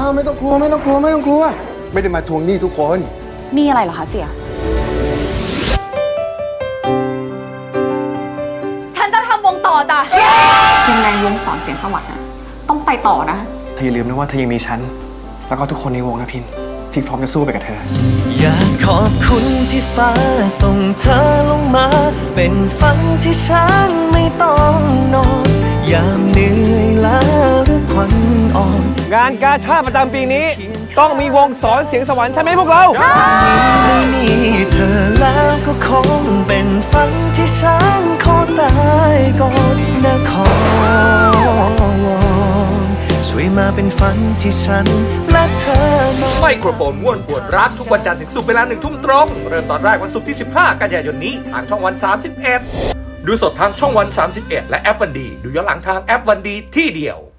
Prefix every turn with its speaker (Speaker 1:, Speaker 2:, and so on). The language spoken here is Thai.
Speaker 1: ไม่ต้องกลัวไม่ต้องกลัวไม่ต้องกลัวไม่ได้มาทวงหนี้ทุกคน
Speaker 2: นี่อะไรเหรอคะเสีย
Speaker 3: ฉันจะทำวงต่อจ้ะ
Speaker 2: ยังไงวงสอนเสียงสวรรค์นะต้องไปต่อนะ
Speaker 4: เธออย่าลืมนะว่าเธอยังมีฉัน แล้วก็ทุกคนในวงนะพินที่พร้อมจะสู้ไปกับเธอ
Speaker 5: อยากขอบคุณที่ฟ้าส่งเธอลงมา เป็นฝันที่ฉันไม่ต้องนอนยามเหนื่อยล้าหรือควันอ่อน
Speaker 4: งานกาชาติประจำปีนี้ ต้องมีวงสอนเสียงสวรรค์ใช่ไหมพวกเรา
Speaker 5: ไม่มีเธอแล้วก็คงเป็นฝันที่ฉันขอตายก่อนนะขอวอนช่วยมาเป็นฝันที่ฉันและเธอหน่อย
Speaker 6: ไมโครโฟนม่วนปวดรักทุกวันจันทร์ถึงศุกร์เวลา1 ทุ่มตรง เริ่มตอนแรกวันศุกร์ที่ 15 กันยายนนี้ทางช่องวัน 31 ดูสดทางช่องวัน 31 และแอปวันดี ดูย้อนหลังทางแอปวันดีที่เดียว